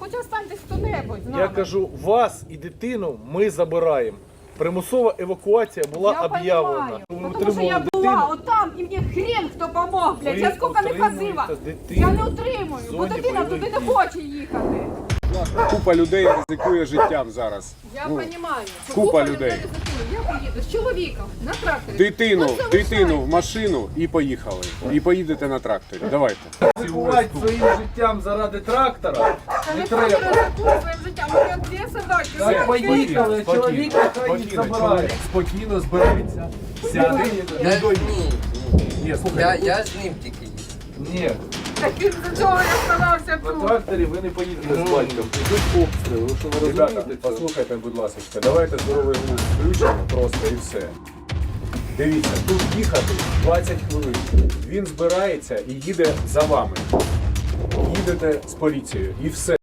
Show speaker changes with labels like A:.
A: хоч останьтесь хто-небудь з нами.
B: Я кажу, вас і дитину ми забираємо. Примусова евакуація була
A: Я
B: об'явлена.
A: понимаю, потому что я была вот там, и мне хрен хто помог, блядь.
B: Ви
A: Я скільки не ходила.
B: утримуєте дитину
A: Я не утримую,
B: в
A: бо
B: зоні
A: дитина туди
B: бойових
A: не хоче їхати.
C: Купа людей ризикує життям зараз.
A: Я
C: Ну,
A: розумію. що
C: купа людей.
A: Я поїду з чоловіком на тракторі.
C: Дитину
A: От залишайте.
C: в машину і поїхали. І поїдете на тракторі. Давайте.
B: Ризикувати своїм життям заради трактора
A: Та
B: не
A: ніхто не
B: треба.
A: ризикує своїм життям, у мене дві собаки.
B: Так, поїхали, чоловік хай їх забирає.
D: Спокійно збереться, сяде і
E: Ні,
D: Ні, слухай,
E: я з ним тільки їду.
B: Ні,
A: Так він за цього я оставався
B: на
A: тут.
B: тракторі ви не поїдете з батьком. Ідуть обстріли, ви що не
C: Ребята,
B: розумієте? цього?
C: послухайте, будь ласка, давайте здоровий глузд включимо просто і все. Дивіться, тут їхати 20 хвилин. Він збирається і їде за вами. Їдете з поліцією і все.